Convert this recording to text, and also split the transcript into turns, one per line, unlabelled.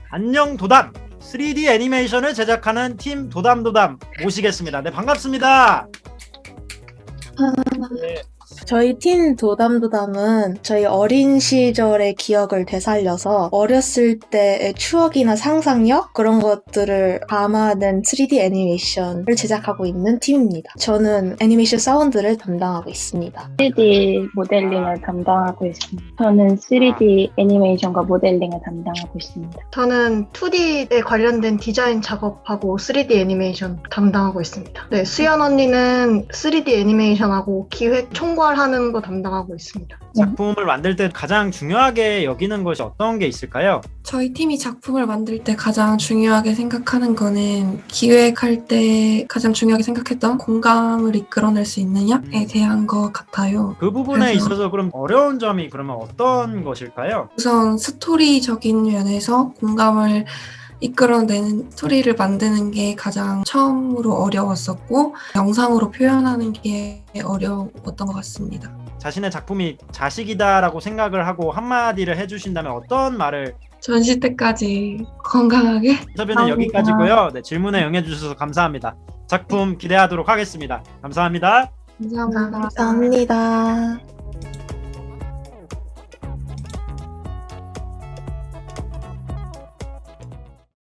안녕 도담 3D 애니메이션을 제작하는 팀 도담도담 모시겠습니다. 네, 반갑습니다. 네,
저희 팀 도담도담은 저희 어린 시절의 기억을 되살려서 어렸을 때의 추억이나 상상력 그런 것들을 담아낸 3D 애니메이션을 제작하고 있는 팀입니다. 저는 애니메이션 사운드를 담당하고 있습니다.
3D 모델링을 담당하고 있습니다. 저는 3D 애니메이션과 모델링을 담당하고 있습니다.
저는 2D에 관련된 디자인 작업하고 3D 애니메이션 담당하고 있습니다. 네, 수연 언니는 3D 애니메이션하고 기획 총괄하는 거 담당하고 있습니다.
작품을 만들 때 가장 중요하게 여기는 것이 어떤 게 있을까요?
저희 팀이 작품을 만들 때 가장 중요하게 생각하는 거는 기획할 때 가장 중요하게 생각했던 공감을 이끌어낼 수 있느냐에 대한 것 같아요.
그 부분에
그래서-
있어서 그럼 어려운 점이 그러면 어떤 것일까요?
우선 스토리적인 면에서 공감을 이끌어내는 스토리를 만드는 게 가장 처음으로 어려웠었고 영상으로 표현하는 게 어려웠던 것 같습니다.
자신의 작품이 자식이다라고 생각을 하고 한마디를 해주신다면 어떤 말을?
전시 때까지 건강하게
인터뷰는
감사합니다.
여기까지고요. 네, 질문에 응해주셔서 감사합니다. 작품 기대하도록 하겠습니다. 감사합니다.
감사합니다.
감사합니다.